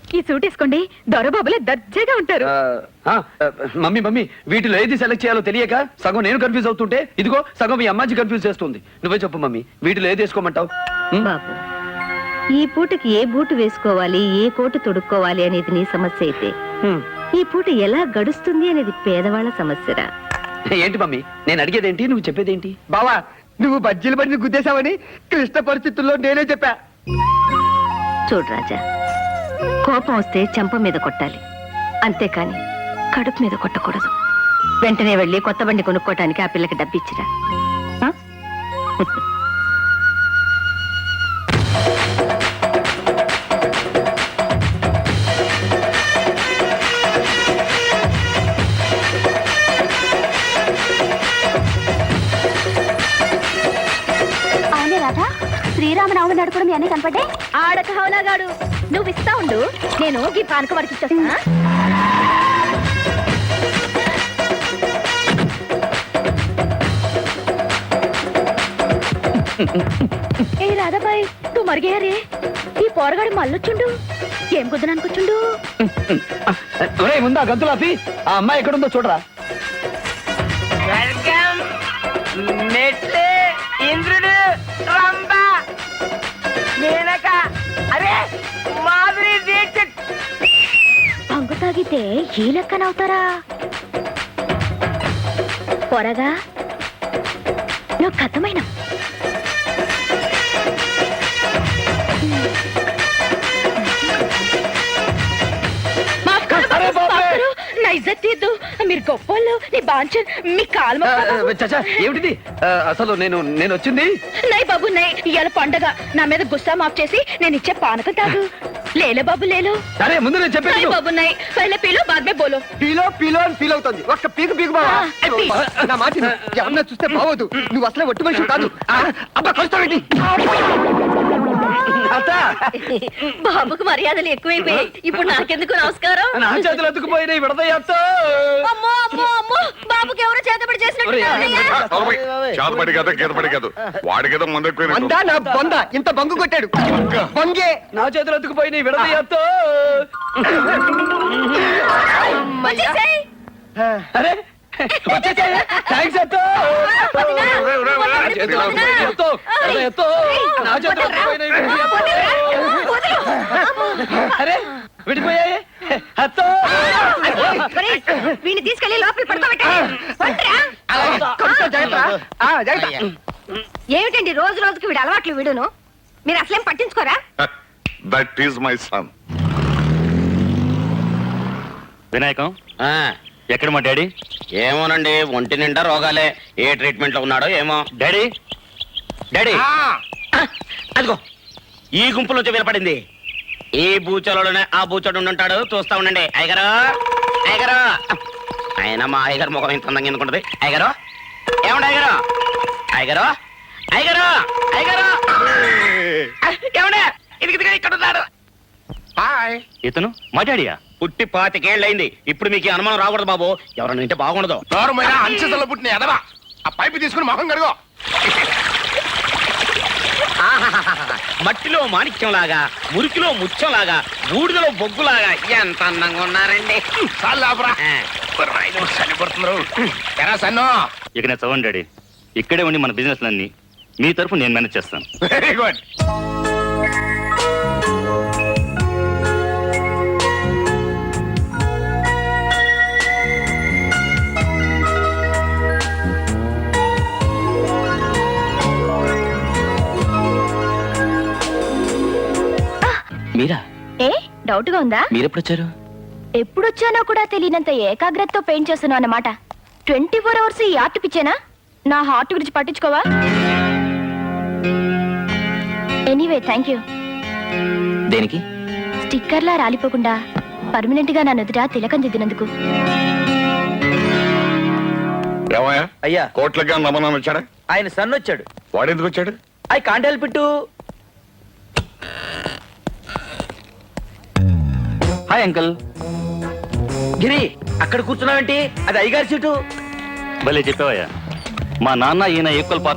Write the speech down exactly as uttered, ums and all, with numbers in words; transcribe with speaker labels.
Speaker 1: ఈ సూట్ వేసుకోండి, దొరబాబులే దర్జాగా ఉంటారు.
Speaker 2: ఆ, ఆ, మమ్మీ మమ్మీ వీటిలో ఏది సెలెక్ట్ చేయాలో తెలియక సగం నేను కన్ఫ్యూజ్ అవుతుంటే ఇదిగో సగం మీ అమ్మాజీ కన్ఫ్యూజ్ చేస్తుంది. నువ్వే చెప్పు మమ్మీ, వీటిలో ఏది వేసుకోమంటావు?
Speaker 3: బాబు, ఈ పూటకి ఏ బూటు వేసుకోవాలి, ఏ కోటు తొడుక్కోవాలి అనేది నీ సమస్య అయితే, ఈ పూట ఎలా గడుస్తుంది అనేది పేదవాళ్ళ సమస్యరా.
Speaker 2: ఏంటి మమ్మీ నేను అడిగేదేంటి, నువ్వు చెప్పేదేంటి?
Speaker 4: బావా, నువ్వు బజ్జీలు బండి గుద్దేశావని క్లిష్ట పరిస్థితుల్లో నేనే చెప్పా.
Speaker 3: చూడు రాజా, కోపం వస్తే చెంప మీద కొట్టాలి, అంతేకాని కడుపు మీద కొట్టకూడదు. వెంటనే వెళ్ళి కొత్త బండి కొనుక్కోటానికి ఆ పిల్లకి డబ్బిచ్చిరా. ఆ?
Speaker 1: శ్రీరామనవమి నాడు కూడా మీ అన్నీ కనపడ్డే. ఆడక హౌలాగాడు, నువ్వు ఇస్తా ఉండు, నేను ఈ పానక వాడికి ఇచ్చేస్తా. ఏ రాధాబాయ్, నువ్వు మరిగేయారే, ఈ పోరగాడు మళ్ళొచ్చుండు. ఏం కుదరనుకొచ్చుండు?
Speaker 2: ముందా గంతులాపి ఆ అమ్మాయి ఎక్కడుందో చూడరా.
Speaker 4: ఇంద్రుడు, రంభ, మేనక, అరే మాధురి దీక్షిత్.
Speaker 1: పంగు తాగితే ఈ లెక్కనవుతారా? పొరగా నువ్వు కథమైన నా ఇజ్జత్ తీద్దు, మీరు గొప్పోళ్ళు, నీ బాంచన్, మీ కాలు.
Speaker 2: ఏమిటిది అసలు? నేను నేను వచ్చింది
Speaker 1: నై బాబు నై, ఇవాళ పండగ, నా మీద గుస్సా మాఫ్ చేసి నేను ఇచ్చే పానకం తాగు. లేలే బాబు లేలో.
Speaker 2: సరే ముందు నేను చెప్పాను
Speaker 1: బాబు నై, పహలే పీలో బాద్ మే బోలో.
Speaker 4: పీలో పీలో అని ఫీల్ అవుతుంది. ఒక్క పీకు పీకు బావా. నా మాట ఎవరన్నా చూస్తే బావద్దు, నువ్వు అసలే ఒట్టి మనిషి కాదు. అబ్బా కొస్తావేంటి?
Speaker 1: బాబుకు మర్యాదలు ఎక్కువైపోయాయి, ఇప్పుడు నాకెందుకు నమస్కారం?
Speaker 2: నా చేతులు ఎత్తుకుపోయినాయి విడదయ్యా.
Speaker 1: అమ్మో అమ్మో అమ్మో, బాబుకి ఎవరో చేతబడి చేసినట్టు.
Speaker 5: చేతబడి కదా గీతబడి కాదు, వాడి కదా ముందు
Speaker 4: నా బొంద ఇంత బంగు కొట్టాడు. బంగే
Speaker 2: నా చేతులు ఎత్తుకుపోయినాయి విడదయ్యా. అరే థ్యాంక్స్ అత్తో. అరే విడిపోయాయి అత్తో.
Speaker 1: వీడిని తీసుకెళ్లి లోపల పడుకోబెట్టా. ఏమిటండి రోజు రోజుకి వీడు అలవాట్లు వీడును, మీరు అసలేం పట్టించుకోరా?
Speaker 5: That is my son.
Speaker 6: Vinayakam ఎక్కడ మా డాడీ?
Speaker 7: ఏమోనండి, ఒంటి నిండా రోగాలే, ఏ ట్రీట్మెంట్ లో ఉన్నాడో ఏమో.
Speaker 6: డాడీ డాడీ
Speaker 7: అదిగో ఈ గుంపులో వినపడింది. ఈ బూచలోనే ఆ బూచోడు ఉంటాడు, చూస్తా ఉండండి. అయ్యగారు అయ్యగారు, ఆయన మా అయ్యగారు ముఖం ఇంత అందంగా ఎందుకుంటది. అయ్యగారు ఏమండి, అయ్యగారు అయ్యగారు అయ్యగారు అయ్యగారు ఏమండే, ఇది ఇక్కడ ఉన్నాడు.
Speaker 6: ఇతను మా డాడీయా?
Speaker 7: పుట్టి పాతికేళ్ళయింది, ఇప్పుడు మీకు అనుమానం రాకూడదు బాబు, ఎవరన్నా వింటే బాగుండదు.
Speaker 5: అంచెసలో పుట్టిన ఎదవా, ఆ పైపు తీసుకుని మొహం కడుగో.
Speaker 7: మట్టిలో మాణిక్యం లాగా, మురికిలో ముత్యం లాగా, బూడిదలో బొగ్గులాగా ఎంత అందంగా ఉన్నారండి.
Speaker 5: చనిపడుతున్నారు ఎరా సన్నో.
Speaker 6: ఇక నేను చదవండి డాడీ, ఇక్కడే ఉండి మన బిజినెస్ అన్ని మీ తరఫు నేను మేనేజ్ చేస్తాను.
Speaker 5: Very good.
Speaker 2: మీరా?
Speaker 1: ఏ డౌట్ గా ఉందా?
Speaker 2: మీరెప్పుడొచ్చారు?
Speaker 1: ఎప్పుడొచ్చానో కూడా తెలియనంత ఏకాగ్రతతో పెయింట్ చేస్తున్నావు అన్నమాట. ట్వంటీ ఫోర్ అవర్స్ ఈ ఆర్ట్ పిచ్చేనా? నా హార్ట్ గురించి పట్టించుకోవా? Anyway thank you.
Speaker 2: దేనికి?
Speaker 1: స్టిక్కర్లా రాలిపోకుండా పర్మనెంట్ గా నా నుదుట తిలకం దిద్దినందుకు.
Speaker 5: ఏమయ్యా
Speaker 2: అయ్యా,
Speaker 5: కోట్లకి నమ్మనం వచ్చాడా?
Speaker 2: ఆయన సన్ వచ్చాడు.
Speaker 5: వాడెందుకు వచ్చాడు?
Speaker 2: I can't help it. Hi uncle. గిరి అక్కడ కూర్చున్నావేంటి? అది అయ్యగారి సీటు.
Speaker 6: భలే చెప్పావయ్యా, మా నాన్న ఈయన ఈక్వల్